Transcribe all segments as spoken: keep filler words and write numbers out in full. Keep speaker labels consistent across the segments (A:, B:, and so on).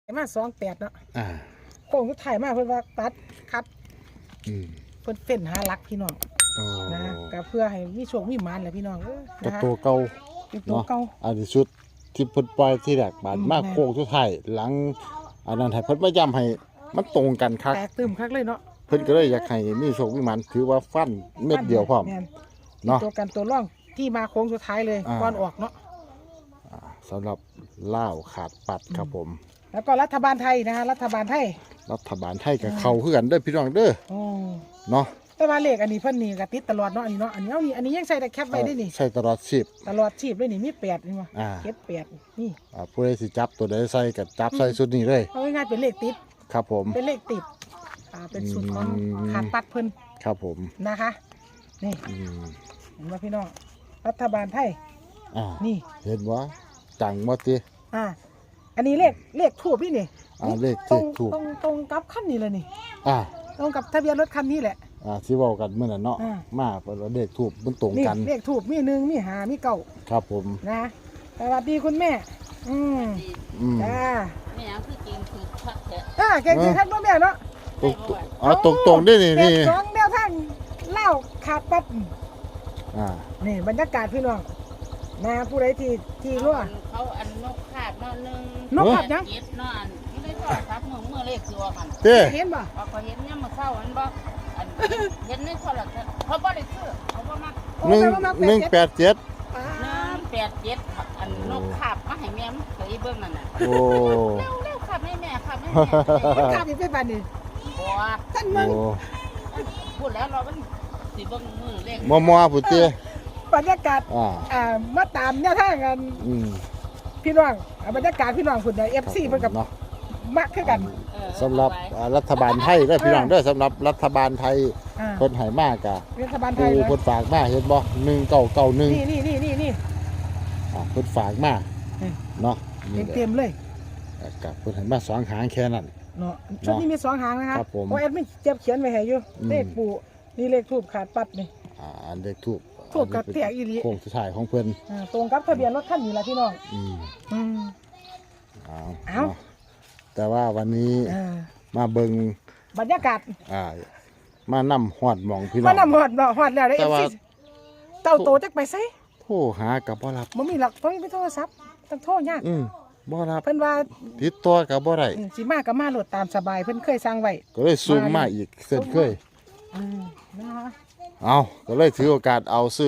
A: มาสองแปดเนาะ
B: อ่า
A: โค้งสุดท้ายมาเพิ่นว่าตัดคัด
B: อืม
A: เพิ่นเฟ้นหาหลักพี่น้องนะก็เพื่อให้มีโชคมีหมานแหละพี่น้องเออ
B: นะคะตัวเก่า
A: เป็นตัวเก่า
B: อันนี้ชุดที่เพิ่นปล่อยที่แรกบาดมากโค้งสุดท้ายหลังอันนั้นให้เพิ่นมาย้ำให้มันตรงกันคัก
A: แตกตึมคักเลยเนาะ
B: เพิ่นก็เลยอยากให้มีโชคมีหมานถือว่าฟันเม็ดเดียวพร้อม
A: เนาะตัวกันตัวร่องที่มาโค้งสุดท้ายเลยก่อนออกเนาะ
B: สำหรับล่าวขาดปัดครับผม
A: แล้วก็รัฐบาลไทยนะฮะรัฐบาลไทย
B: รัฐบาลไทยกับเขาคือกันเด้อพี่น้องเด้อเนาะ
A: แต่ว่าเลขอันนี้เพิ่นนี่ก็ติดตลอดเนาะอันนี้เนาะอันนี้เอานี่อันนี้ยังใส่แต่แคปไว้ได้นี่
B: ใส่ตลอดชีพ
A: ตลอดชีพเลยนี่มีแปดนี่ว่าเก็บแปดนี่
B: อ่าผู้ใดสิจับตัวใดใส่กับจับใส่ชุดนี้เลย
A: เอาง่ายๆเป็นเลขติด
B: ครับผม
A: เป็นเลขติดอ่าเป็นสูตรของขาดปัดเพิ่น
B: ครับผม
A: นะคะนี่เห็นว่าพี่น้องรัฐบาลไทย
B: อ่า
A: นี่
B: เห็นว่าจังบ่ติ
A: อ่าอันนี้เลขเลขทูบนี่นี่
B: อ่าเลขทูบ
A: ตรงตรงกับคันนี้เลยนี่
B: อ่า
A: ตรงกับทะเบียนรถคันนี้แหละ
B: อ่าที่เว้ากันเมื่อนั้นเนาะมาเปิดเลขทูบมันตรงกัน
A: เลขทูบมีหนึ่งมีห้ามีเก้า
B: ครับผม
A: นะสวัสดีคุณแม่อืมจ้า
C: แม่คือเก่งคือคักแท้
A: อ่าเก่งๆท่านพ่อแม่เนาะ
B: อ๋อตรงๆได้นี่นี่
A: สองแนวทางเล่าขาดปั๊บ
B: อ่า
A: นี่บรรยากาศพี่น้องนะผู้ใดที่ที่รั่ว
C: เขาอันนกขาดนอนนึง
A: นกขาดยัง
C: เย็ดนอนไม่ได้ทอดครับมือมือเลขสัวกัน
A: เห็นบ่
C: เขาเห็นเนี่ยมาเข้าอันบ่อันเห็นในโทรทัศน์เขาบ่ได้ซื้อเขาบ่มา
B: หนึ่งหนึ่งแปดเจ็ด
C: หนึ่งแปดเจ็ดอันนกขาบมาให้แม่มเคยเบิ่งนั่นน่ะ
B: โอ้
C: เร็วเร็วขับให้แม่ขับให้แม่
A: ขับอีกไปบ้านนี่
C: บ่
A: ท่านมึง
C: พูดแล้วเรามันสิเบิ่งมือเลข
B: มัวมัวผู้เตี้ย
A: บรรยากาศอ่ามาตามเนี่ยท่ากันพี่น้องบรรยากาศพี่น้องคุณเนี่ยเอฟซีเพิ่นกับมักคือกัน
B: สำหรับรัฐบาลไทยได้พี่น้องได้สำหรับรัฐบาลไทยคนหายมากกะ
A: รัฐบาลไทย
B: คนฝากมาเห็นบ่หนึ่งเก่าเก่าหนึ่ง
A: นี่นี่นี่นี่นี่
B: คนฝากมาเนาะ
A: เต็มเลย
B: กับคนหายมาสองหางแค่นั้น
A: เนาะชุดนี้มีสองหางนะครับเพราะแอดไม่เจ็บเขียนไว้ให้อยู่เลขปูนี่เลขทูบขาดปัดนี่
B: อ่าเลขทูบ
A: ทูบกับเตี้ยอีหลี
B: โค้งสุดท้ายของเพิ่น
A: ตรงกับทะเบียนรถคันนี้แหละพี่น้อง
B: อืม
A: อืม
B: เอาเอาแต่ว่าวันนี้มาเบิ่ง
A: บรรยากาศ
B: อ่ามานํฮอดหม่องพี่น้อง
A: มานำฮอดฮอดแล้วได้ เอฟ ซี เต้าโตจักไปไส
B: โทรหาก็บ่รับ
A: บ่มีหลักบ่มีโทรศัพท์ต้องโทรยาก
B: อืมบ่รับ
A: เพิ่นว่า
B: ติดต่อก็บ่ได้
A: สิมาก็มาโหลดตามสบายเพิ่นเคยสั่งไว้
B: ก็เลยซูมมาอีกเช่นเคย
A: อืมนะคะ
B: เอาก็เลยถือโอกาสเอาซื้อ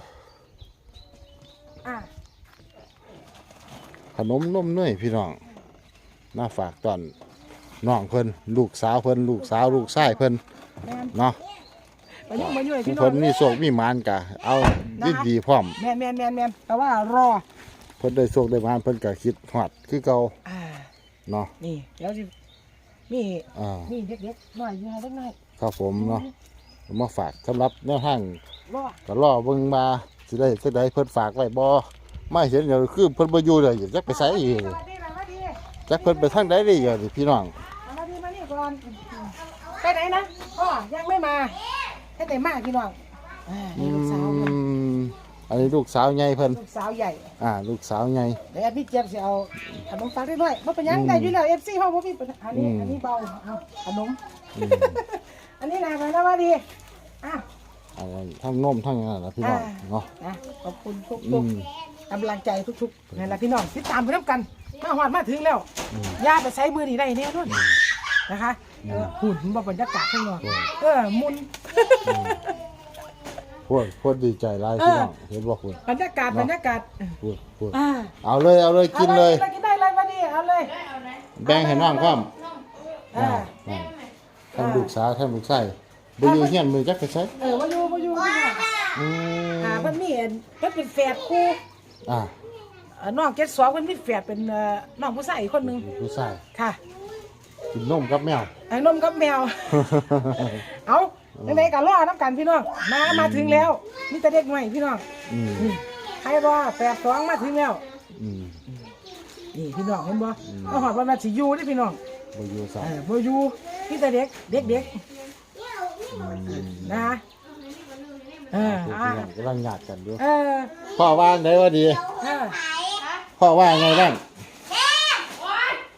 B: ขนมนมเนยพี่น้องมาฝากตอนน้องเพิ่นลูกสาวเพิ่นลูกสาวลูกชายเพิ่นเนาะเพิ่นมีโชคมีหมานกะเอาดีดีพร้อม
A: แม่นแม่นแม่นแม่นแต่ว่ารอ
B: เพิ่นได้โชคได้หมานเพิ่นก็คิดฮอดคือเก่าเนาะ
A: นี่เดี๋ยวสิมีมีเด็กๆน้อยอยู่ให้เล็กน้อย
B: ครับผมเนาะมาฝากสำหรับแนวทางก็รอเบิ่งมาสิได้จังได๋เพิ่นฝากไว้บ่ไม่เห็นเดี๋ยวคือเพิ่นบ่อยู่เลยจักไปไสอีกจักเพิ่นไปทางใดได้อยู่นี่พี่น้อง
A: มาดีมานี่ก่อนไปไหนนะพ่อยังไม่มาให้แต่มาพี่น้องอ่านี่ลูกสาวเพิ่น
B: อันนี้ลูกสาวใหญ่เพิ่น
A: ลูกสาวใหญ่
B: อ่าลูกสาวใหญ่
A: เดี๋ยวพี่เจี๊ยบสิเอาขนมฝากได้ด้วยบ่เป็นหยังได้อยู่แล้ว เอฟ ซี เฮาบ่มีปัญหาอันนี้อันนี้เบาเอาขนมอันนี้นะไปแล้วว่าดีอ่ะ
B: ทั้งนมทั้งนั้นนะพี่น้องเนาะ
A: ขอบคุณทุกทุกกำลังใจทุกๆนี่แหละพี่น้องติดตามไปด้วยกันมาหอดมาถึงแล้วย่าไปใช้มือนี่ได้แน่นอนนะคะหุ่นบรรยากาศข้างนอกเออมุน
B: พูดพูดดีใจร้ายพี่น้องเห็นบอกคุณ
A: บรรยากาศบรรยากาศ
B: พูดพูดเอาเลยเอาเลยกินเลย
A: กินได้เลยมาดิเอาเลย
B: แบ่งให้น้องพร้อมท่านลูกสาวท่านลูกชายบ่อยู่เฮียนมือจักไปใช้
A: เออบ่อยู่บ่อยู่อืมอ่าเพิ่นมีเพิ่นเป็นแฝดคู่อ่าน้องเจ็ดสองเพิ่นมีแฝดเป็นน้องผู้ชายอีกคนนึง
B: ผู้ชาย
A: ค่ะ
B: กินนมกับแมว
A: ไอ้นมกับแมวเอาไหนๆก็รอน้ำกันพี่น้องมามาถึงแล้วมีแต่เด็กใหม่พี่น้องอืมให้รอแฝดสองมาถึงแล้วอืมนี่พี่น้องเห็นบ่เอาหอดว่ามาสิอยู่เด้พี่น้อง
B: บ่อยู่ซะ
A: เออบ่อยู่มีแต่เด็กเด็กๆนะเออก
B: ำลังหยาดกันด้วย
A: เออ
B: พ่อว่าไงว่าดีพ่อว่าไงบ้าง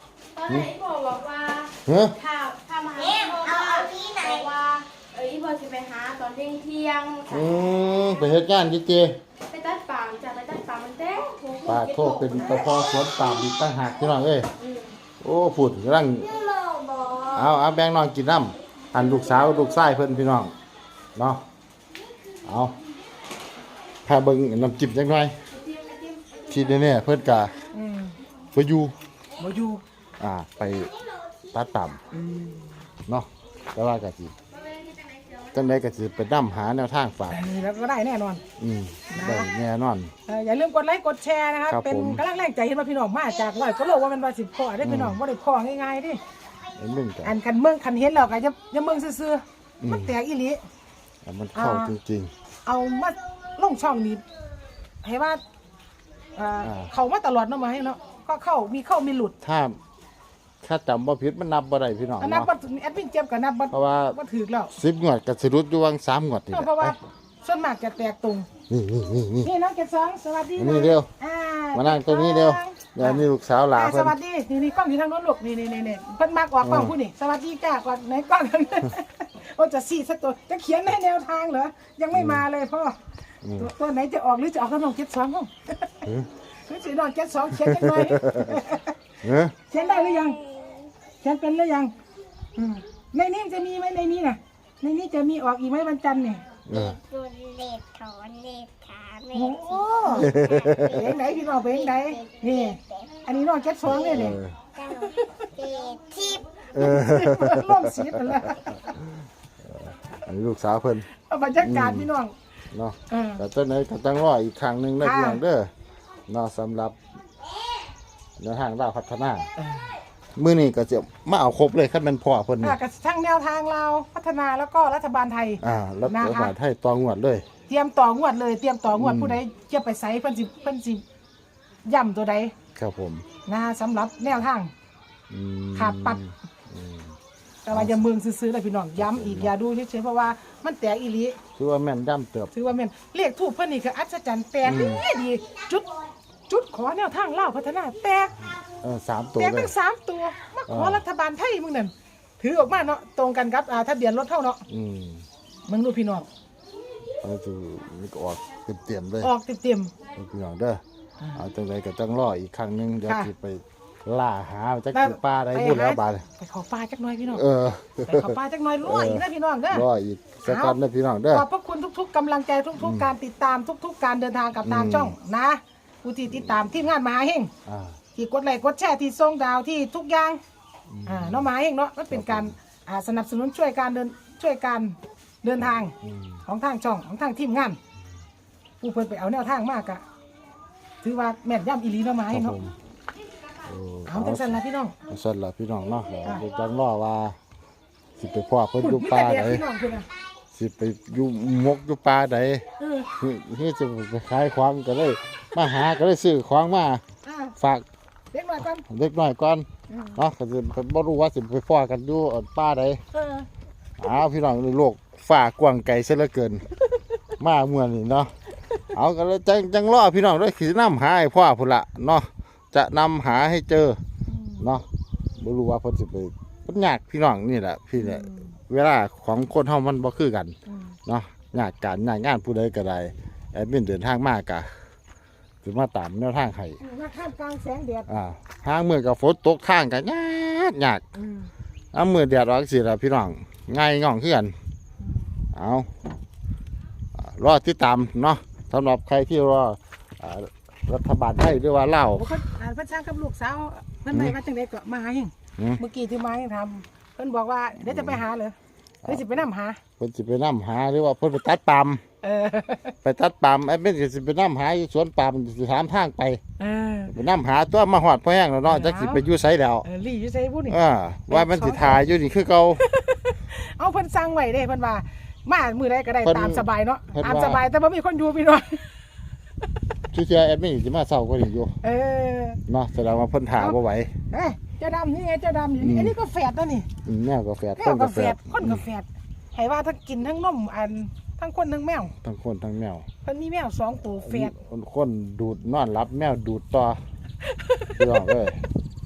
D: ไม่บอกบอกว่า
B: เฮ้ย
D: ถ้าถ้ามาหาพ่อบ้านบอกว่าเอ้ยพ่อจะไปหาตอนเที่ยงเที่ยง
B: อืมไปเฮ็ดงานจิเจ
D: ไปตัดปามจะไปตัดปามมันเต้
B: ปลาโทษเป็นตะพอสวนปามอีกตั้งหากพี่น้องเอ้ยโอ้พูดกำลังเอาเอาแบ่งน้องกินน้ำอันลูกสาวลูกชายเพิ่นพี่น้องเนาะเอาพาเบิ่งน้ำจิ้มจักหน่อยที่แน่ๆเพิ่นกะ
A: อืม
B: บ่อยู่
A: บ่อยู่
B: อ่าไปตัดต่ำเนาะแต่ว่าก็สิจังไดก็สิไปนำหาแนวทางฝาก
A: อันนี้แล้วก็ได้แน่นอน
B: อืมได้แน่นอน
A: เอ่ออย่าลืมกดไลค์กดแชร์นะครับ
B: ครับ
A: เป็น
B: ผม
A: กำลังแรงใจเห็นว่าพี่น้องมาจากร้อยก็โลว่ามันว่าสิบข้อได้พี่น้องบ่ได้ข้อง่ายๆดิ
B: ไอ้มึงก็
A: อันคันเมืองคันเห็นแล้วก็จะจะเมืองซื่อ
B: อืม
A: ๆมันแตกอีหลี
B: อ่ะมันเข้า
A: อ่า
B: จริง
A: เอามาลงช่องนี้ให้ว่าเอ่อ
B: อ่า
A: เขามาตลอดเนาะมาให้เนาะก็เข้ามีเข้ามีหลุด
B: ๆถ้าถ้าจำบ่ผิดมันนับบ่ได้พี่น้อง
A: อันนับ
B: เนาะ
A: บ่แอดมินเจ็บกับนับบ่
B: เพราะว่า
A: บ่ถูกแล้ว
B: สิบงวดก็สิรุดอยู่วังสามงวดนี่แห
A: เพราะว่า
B: ละ
A: ส่วนมากจะแตกตรง
B: นี่นี่นี่นี่
A: นี่น้องเกดสองสวัสดี
B: นี่เร็ว
A: อ่
B: มานั่งตรงนี้เร็วเดี๋ยวนี่ลูกสาวหลา
A: อ่า
B: เพิ่
A: ส
B: น
A: วัสดีนี่นี่กล้องอยู่ทางโน้นลูกนี่นี่นี่นี่เพิ่นมากกว่ากล้องผู้นี่สวัสดีจ้ากว่าไหนกล้องกัน โอ้จะสี่สักตัวจะเขียนให้แนวทางเหรอยังไม่มาเลยพ่ออตัวตัวไหนจะออกหรือจะออกกับน้องเกดสองห้อง
B: เออ
A: หรือสิน้องเกดสองเขียนจังหน่อย
B: เออ
A: เขียนได้หรือยังเขียนเป็นหรือยังอืมในนี้มันจะมีไหมในนี้น่ะในนี้จะมีออกอีกไหมวันจันทร์เนี่ย
B: เออ
E: ตุนเล็ดถอนเล็ดขาเล็
A: โอ้
E: ด
A: โหเพลงไหนพี่น้องเพลงไหนนี่อันนี้น้องเกดสองเนี่ยเนี่ย
E: เจ้าเล็ดทิพย์
B: เออ
A: ร่วมสีไปแล้ว
B: อันนี้ลูกสาวเพิ่น
A: เอาบรรยากาศพี่น้อง
B: เนาะ
A: เออ
B: แต่จังไดก็ต้องรออีกครั้งหนึงนะ
A: ค่ะ
B: พี่น้องเด้อเนาะสำหรับแนวทางดาวพัฒนามื้อนี้ก็จะมาเอาครบเลยคันแม่นพ่อเพิ่นนี่
A: อ่ะกับทั้งแนวทางเราพัฒนาแล้วก็รัฐบาลไทย
B: อ่าแล้ว
A: นะคะ
B: รัฐบาลไทยต่องวดเลย
A: เตรียมต่องวดเลยเตรียมต่องวด
B: อืม
A: ผู้ใดจะไปใส่เพิ่นสิเพิ่นสิย่ำตัวใด
B: ครับผม
A: นะสำหรับแนวทาง
B: อืม
A: ขาดปัด
B: อืม
A: แต่ว่าอย่าเมืองซื้อๆเลยพี่น้องย้ำอีกอย่าดูเฉยๆเพราะว่ามันแตกอีหลี
B: คือว่าแม่นย่ำเติบ
A: ถือว่าแม่นเลขถูกเพิ่นนี่คืออัศจรรย์แตกดีดีจุดจุดขอแนวทางเล่าวพัฒนาแตก
B: เออสามตัว
A: แตก
B: เล
A: ทั้
B: ย
A: งสามตัวมาขอ
B: อ่า
A: รัฐบาลไทยมึงนั่นถือออกมาเนาะตรงกันครับอ่าทะเบียนรถเท่าเนาะ
B: อืม
A: มึงดูพี่น้อง
B: เอาจะมันก็ออกเต็มๆเลย
A: ออกเต็ม
B: พี่น้องเด้อเอาจังไดก็ต้องรออีกครั้งหนึงเดี๋ยว
A: ค่ะ
B: สิไปล่าหาจัก
A: ได้
B: คือป้าได้
A: ไป
B: พูดแล้ว
A: หา
B: บาด
A: ๆไปขอปลาจักหน่อยพี่น้อง
B: เออ
A: ไปขอปลาจักหน่อยรวยอีกนะพี่น้องเด้อ
B: รออีกสักกันนะพี่น้องเด้อ
A: ขอบพระคุณทุก ๆกำลังใจทุก ๆ การติดตามทุก ๆ การเดินทางกับทาง
B: อืม
A: ช่องนะผู้ที่ติดตามทีมงานมหาเฮง
B: อ่า
A: ที่กดไลค์กดแชร์ที่ส่งดาวที่ทุกอย่างอ่าเนาะมหาเฮงเนาะมันเป็นการอ่าสนับสนุนช่วยการเดินช่วยการเดินทาง
B: อืม
A: ของทางช่องของทางทีมงานผู้เพิ่นไปเอาแนวทางมากอะถือว่าแม่นย่ำอีหลีเนาะมหา
B: ค
A: เฮ
B: รับ
A: งเนาะ
B: ผมโอ้
A: เอาจังซั่นล่ะพี่น้อง
B: เอาสั่นล่ะพี่น้องเนาะ
A: อ่า
B: เดี๋ยวจังรอว่าสิไปพ่อเพิ่นอยู่
A: มี
B: ป่า
A: แต่
B: ไหน
A: เด็กพี่น้องคือนะ
B: สิไปอยู่มกอยู่ป่าไหน
A: เออ
B: นี่จะไปขายของก็เลยมาหาก็เลยซื้อของมา
A: อ่า
B: ฝาก
A: เด็กหน่อยก่อน
B: เล็กน้อยก่อน
A: อืม
B: เนาะก็สิเพิ่นบ่รู้ว่าสิไปพ่อกันอยู่อ่อนป่าใด
A: เออ
B: อ้าวพี่น้องในโลกฝ่ากว้างไกลซะเหลือเกิน มาเมื่อนี่เนาะเอาก็เลยจังจังรอพี่น้องด้วยขี่นำหาให้พ่อพุ่นละเนาะจะนำหาให้เจอเนาะบ่รู้ว่าเพิ่นสิไปมันยากพี่น้องนี่แหละพี่เนี่ยเวลาของคนเฮามันบ่คือกัน
A: อืม
B: เนาะยากการยากงานผู้ใดก็ได้แอดมินเดินทางมากะสิมาตามแนวทางให้
A: มาข้ามกลางแสงแดด
B: อ่าทางมื้อก็ฝนตกทางก็ยากยาก
A: อืม
B: เอามื้อแดดออกสิล่ะพี่น้องง่ายง่องคือกันเอาอ่ารอติดตามเนาะสำหรับใครที่รออ่ารัฐบาลไทยหรือว่าลาว
A: โอ้เพิ่นอ่าเพิ่นสร้างกับลูกสาวเพิ่นไปมาจังไดก็มาหาเฮง
B: อืม
A: เมื่อกี้ที่มาให้ทำเพิ่นบอกว่าเดี๋ยวจะไปหาเลยเดี๋ยวจะไปนํหา
B: เพิ่นสิไปนํหาหรือว่าเพิ่นไปตัดปาล์ม
A: เออ
B: ไปตัดปาล์มไอ้เป็นก็สิไปนํหาอยู่สวนปาล์มสิถามทางไป
A: เออ
B: ไปนํหาตัวมาฮอดพอแห้งแล้วเนาะ
A: เออ
B: จักสิไปอยู่ไสแล้ว
A: เออลี่อยู่ไสบุนี่
B: อ่าว่ามันสิถ่ายอยู่นี่คือเก่า
A: เอาเพิ่นสั่งไว้เด้เพิ่นว่ามามื้อใดก็ได้
B: เพิ่น
A: ตามสบายเนาะ
B: เพิ่น
A: ตาม
B: ว่า
A: สบายแต่บ่มีคนอยู่พี่น้อง
B: ชื่อเสียแอดมินสิมาเช้าก็นี่อยู่
A: เออ
B: เนาะแสดงว่าเพิ่นถ่าบ่ไหว
A: เอ้ยเจ้าดำนี่ไงเจ้าดำอยู่
B: อื
A: นี่
B: ม
A: อันนี้ก็แฝดแล้วนี่
B: อืมแมวก็แฝด
A: แม
B: ค
A: วน ก็
B: ก็
A: แฝ
B: แฝ
A: ด
B: ด
A: คนก็แฝดให้ว่าทั้งกินทั้งนมอันทั้งคนทั้งแมว
B: ทั้งคนทั้งแมว
A: เพิ่นมีแมวสองตัวแฝด
B: คนคนดูดนอนรับแมวดูดต่อพี่น้องเอ้ย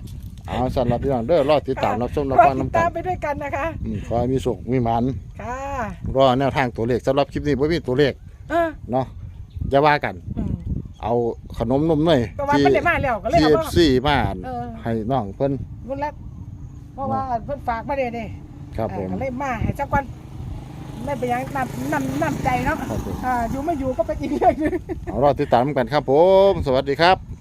B: เอาสั่นรับพี่น้องเด้อรอติดตามรับชมรับ
A: รอ
B: ฟัง
A: ติด
B: น้ำกั
A: ตาม
B: น
A: ไปด้วยกันนะคะ
B: อืมขอให้มีสุขมีหมัน
A: ค่ะ
B: รอแนวทางตัวเลขสำหรับคลิปนี้บ่มีตัวเลข
A: เออ
B: เนาะอย่าว่ากัน
A: อืม
B: เอาขนมนมเนย
A: ก็ว่าเพิ่นได้มาแล้วก็เลย
B: ที่
A: เอา
B: เอ
A: มา
B: ฟซีมา
A: เออ
B: ให้น้องเพิ่น
A: บุญแล้วเพราะว่าเพิ่นฝากมาเด้เด้
B: ครับผม
A: อ่าก็เลยมาให้สักวันไม่เป็นหยังนำนำนำใจเนาะ
B: ครับผม
A: อ่าอยู่ไม่อยู่ก็เป็นอีกเรื่องหนึง
B: เอารอติดตามกันครับผมสวัสดีครับ